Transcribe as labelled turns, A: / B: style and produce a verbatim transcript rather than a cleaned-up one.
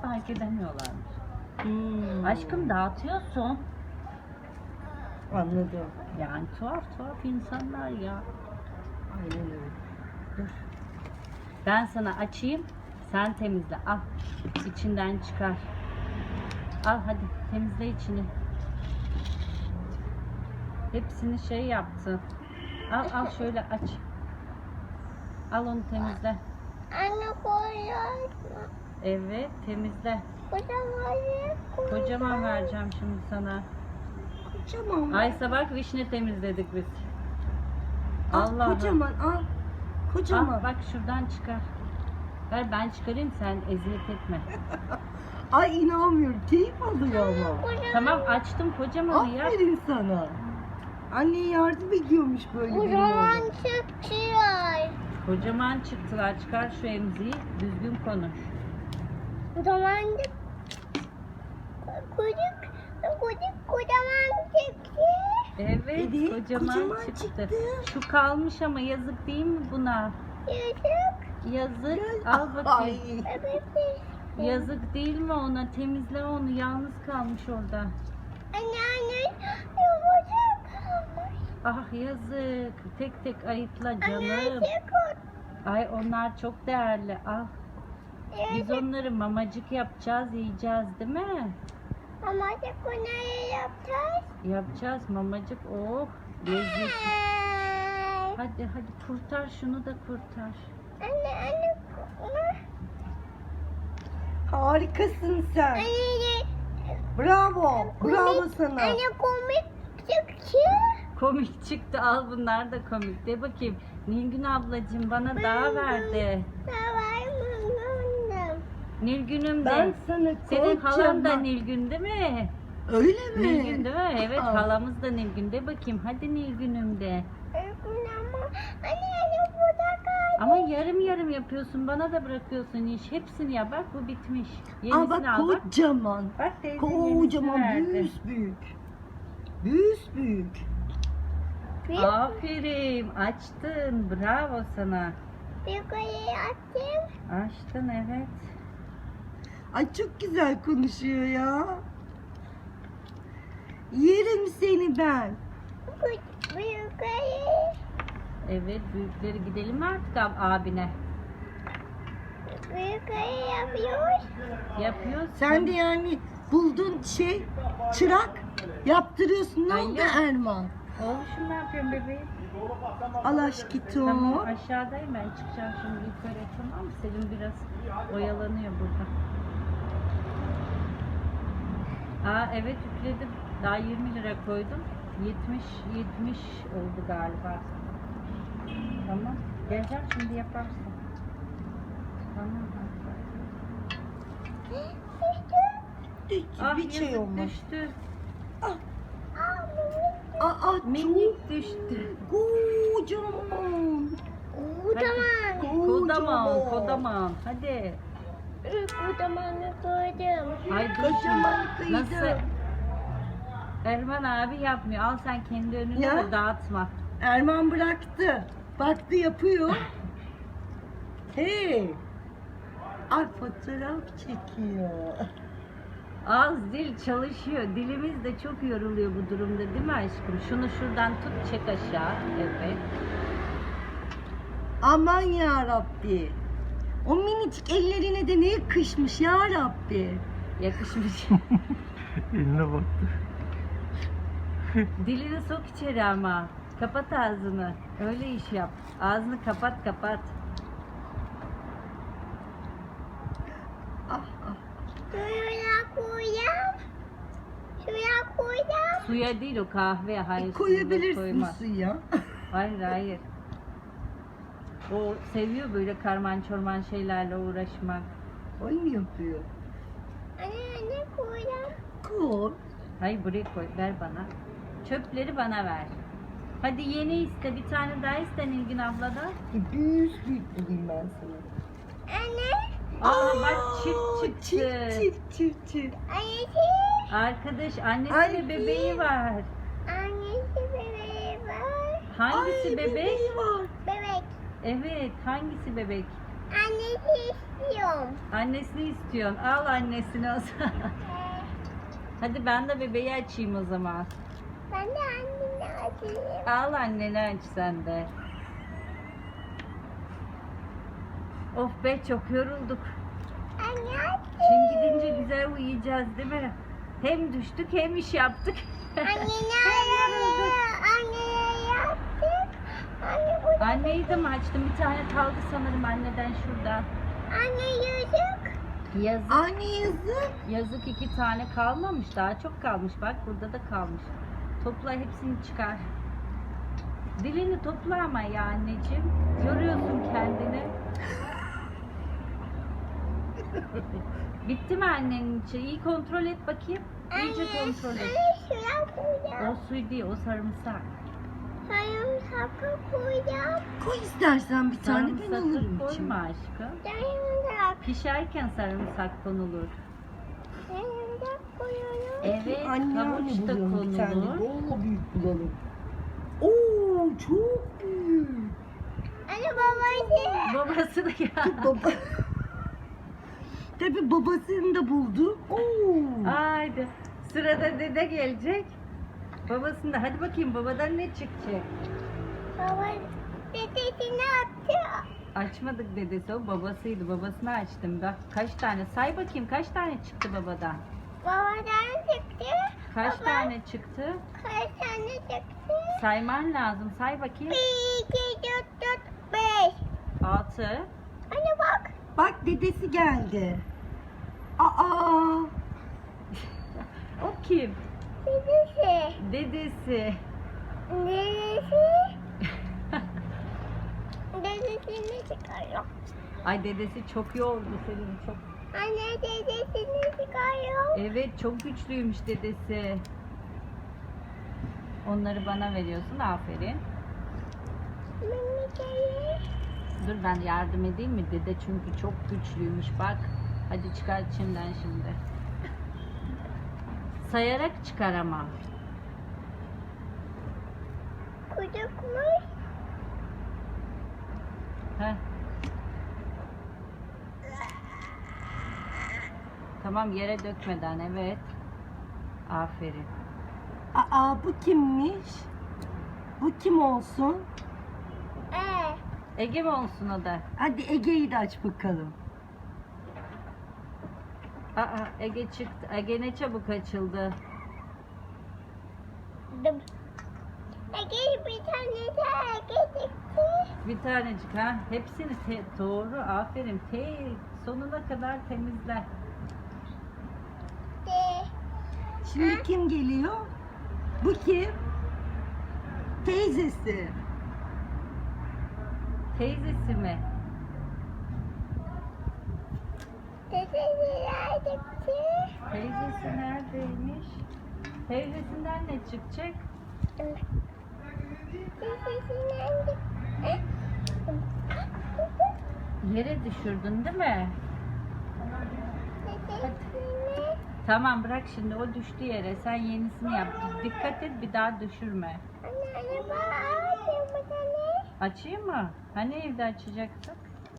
A: fark edemiyorlarmış.
B: Hmm.
A: Aşkım dağıtıyorsun.
B: Anladım.
A: Yani tuhaf tuhaf insanlar ya.
B: Aynen öyle.
A: Dur. Ben sana açayım. Sen temizle. Al. İçinden çıkar. Al hadi temizle içini. Hepsini şey yaptı. Al al şöyle aç. Al onu temizle.
C: Anne koyuyor.
A: Evet temizle.
C: Kocaman.
A: Kocaman vereceğim şimdi sana.
B: Kocaman.
A: Aysa bak vişne temizledik biz.
B: Al
A: Allah
B: kocaman al. Kocaman.
A: Al bak şuradan çıkar. Ver ben çıkarayım sen eziyet etme.
B: Ay inanmıyorum. Keyif alıyor ama.
A: Tamam açtım kocamanı ya.
B: Aferin sana. Anne yardım ediyormuş böyle bir
C: Kocaman
B: oğlum.
C: çıkıyor.
A: Kocaman çıktılar. Çıkar şu emziği. Düzgün konuş.
C: Kocaman çık. Kucuk. Kucuk kocaman çıktı.
A: Evet,
B: Evet,
A: kocaman,
B: kocaman
A: çıktı.
B: çıktı.
A: Şu kalmış ama yazık değil mi buna?
C: Yazık.
A: Yazık. Al bakayım.
B: Ay.
C: Evet.
A: Yazık değil mi ona? Temizle onu. Yalnız kalmış orada.
C: Anne anne. Yumuşak kalmış.
A: Ah yazık. Tek tek ayıtla
C: Anne
A: canım.
C: çıkıyor.
A: Ay onlar çok değerli. Al. Biz
C: Yazık.
A: onları mamacık yapacağız, yiyeceğiz değil mi?
C: Ama çıkmayı yapacağız.
A: Yapacağız mamacık. Oh. Lezzetli.
C: Ay.
A: Hadi hadi kurtar şunu da kurtar.
C: Anne anne.
B: Harikasın sen.
C: Anne.
B: Bravo. Bravo sana.
C: Anne komik çıktı.
A: Komik çıktı. Al bunlar da komik. De bakayım. Nilgün ablacığım bana daha verdi. Nilgün'üm de.
B: Ben sana
A: Senin halan da
B: kocaman-
A: Nilgün değil mi?
B: Öyle mi?
A: Nilgün değil mi? Evet
B: Aa.
A: halamız da Nilgün. De bakayım. Hadi Nilgün'üm de.
C: Anne anne burada kaldı.
A: Ama yarım yarım yapıyorsun. Bana da bırakıyorsun iş. Hepsini ya. Bak bu bitmiş.
B: Aa
A: Yenisini
B: bak
A: al bak.
B: kocaman.
A: Bak teyze yenisini
B: Kocaman
A: verdi.
B: büyük büyük. Büyük büyük.
A: Aferin. Açtın. Bravo sana.
C: Yukarıya attım.
A: Açtın evet.
B: Ay çok güzel konuşuyor ya. Yerim seni ben.
C: Bu yukarı.
A: Evet büyükleri gidelim mi artık ab- abine?
C: Bu yukarı yapıyoruz.
A: Yapıyoruz.
B: Sen de yani buldun şey çırak yaptırıyorsun. Ne oldu
A: Hayır.
B: Erman?
A: Oğlum ne yapıyorsun bebeğim?
B: Al aşkito.
A: Tamam aşağıdayım ben çıkacağım şimdi yukarı tamam mı? Selim biraz oyalanıyor burada. Aa evet yükledim. Daha yirmi lira koydum. yetmiş yetmiş oldu galiba. Tamam. Geleceğim şimdi yaparsın. Tamam.
B: Düştü.
A: Ah
B: Bir şey
A: yazık
B: olmaz.
A: düştü.
B: Aa
A: Minik düştü.
B: kocaman.
C: Kocaman.
A: Kodaman, kodaman. Hadi.
C: Kocamanı koydum.
A: Ay dur
B: Kocaman
A: şimdi.
B: kıydı.
A: Nasıl? Erman abi yapmıyor. Al sen kendi önüne
B: Ya.
A: de dağıtma.
B: Erman bıraktı. Baktı yapıyor. Hey. Ay fotoğraf çekiyor.
A: Ağız dil çalışıyor. Dilimiz de çok yoruluyor bu durumda değil mi aşkım? Şunu şuradan tut çek aşağı. Evet.
B: Aman ya Rabbi. O minicik ellerine de ne yakışmış ya Rabbi.
A: Yakışmış.
D: Eline baktı.
A: Dilini sok içeri ama. Kapat ağzını. Öyle iş yap. Ağzını kapat kapat.
B: Ah ah.
C: Şuraya koyacağım. Şuraya koyacağım.
A: Suya değil o kahve. Hayır.
B: E,
A: suya
B: koyabilirsin
A: koyma.
B: suya.
A: Hayır hayır. O seviyor böyle karman çorman şeylerle uğraşmak.
B: Oyun yapıyor.
C: Anne anne koyacağım.
B: Koy.
A: Hayır buraya koy. Ver bana. Çöpleri bana ver. Hadi yeni iste. Bir tane daha iste Nilgün abladan.
B: Büyük büyük bulayım ben sana.
C: Anne.
A: Aa bak çift
B: Aa,
A: çıktı.
B: Çift çift çift çift.
C: Annesi.
A: Arkadaş annesi
B: Ay,
A: ve bebeği var.
C: Annesi bebeği var.
A: Hangisi
B: Ay,
A: bebek?
B: bebeği var.
C: Bebek.
A: Evet hangisi bebek?
C: Annesi istiyorum.
A: Annesini istiyorsun. Al annesini o zaman.
C: Ee,
A: Hadi ben de bebeği açayım o zaman.
C: ben de annemi açayım.
A: Al anneni aç sen de. Of be çok yorulduk.
C: Anne açayım.
A: Şimdi gidince güzel uyuyacağız değil mi? Hem düştük hem iş yaptık.
C: Anne nerede? Anne yaptık. Anne bu.
A: Anneyi de mi açtım? Bir tane kaldı sanırım anneden şurada.
C: Anne yüzük.
A: Yazık.
B: Anne yazık.
A: Yazık iki tane kalmamış. Daha çok kalmış. Bak burada da kalmış. Topla hepsini çıkar. Dilini topla ama ya anneciğim. Yoruyorsun kendini. Bitti mi annenin içi? İyi kontrol et bakayım. İyice kontrol et.
C: Anne şuraya koyacağım.
A: O suyu değil, o sarımsak.
C: Sarımsakı koyacağım.
B: Koy istersen bir tane ben
A: Sarımsakı
B: alırım
A: koyma
B: içime.
A: aşkım.
C: Sarımsak.
A: Pişerken sarımsak konulur.
C: Sarımsak koyuyorum.
A: Evet,
B: Anne anne
A: havuç da
B: bulalım bir tane.
A: konulur.
B: Bol büyük bulalım. Oo çok büyük.
C: Anne babacığım.
A: Babası da geldi.
B: Baba. Tabii babasını da buldu. Oo.
A: Haydi. Sırada dede gelecek. Babasında. Hadi bakayım babadan ne çıkacak?
C: Baba dedesini attı.
A: Açmadık dedesi, o babasıydı. Babasını açtım. Bak kaç tane. Say bakayım kaç tane çıktı babadan?
C: Babadan çıktı.
A: Kaç
C: Baba,
A: tane çıktı?
C: Kaç tane çıktı?
A: Sayman lazım. Say bakayım.
C: Bir, iki, dört, dört, beş.
A: Altı.
C: Anne bak.
B: Bak dedesi geldi. Aa.
A: O kim?
C: Dedesi.
A: Dedesi.
C: Dedesi. Dedesini çıkarıyor.
A: Ay dedesi çok yordu seni çok.
C: Anne dedesini çıkarıyor.
A: Evet çok güçlüymüş dedesi. Onları bana veriyorsun, aferin.
C: Minikleri.
A: Dur ben yardım edeyim mi? Dede çünkü çok güçlüymüş bak. Hadi çıkar içinden şimdi. Sayarak çıkar ama.
C: Kucukmuş.
A: Heh. Tamam yere dökmeden, evet. Aferin.
B: Aa bu kimmiş? Bu kim olsun?
C: Ee,
A: Ege mi olsun o da?
B: Hadi Ege'yi de aç bakalım.
A: Aa Ege çıktı. Ege ne çabuk açıldı.
C: dım. Ege bir tane daha Ege çıktı.
A: Bir tanecik ha. Hepsini te- doğru, aferin. Te sonuna kadar temizle.
C: De.
B: Şimdi kim geliyor? Bu kim? Teyzesi.
A: Teyzesi mi?
C: Dedesiler çıktı.
A: Teyzesi neredeymiş? Teyzesinden ne çıkacak?
C: Dedesinden çıktı.
A: Yere düşürdün değil mi?
C: Dedesini.
A: Tamam bırak şimdi, o düştü yere. Sen yenisini yap. Dikkat et bir daha düşürme.
C: Anne anne bak. Açayım bir tane.
A: Açayım mı? Hani evde açacaksın?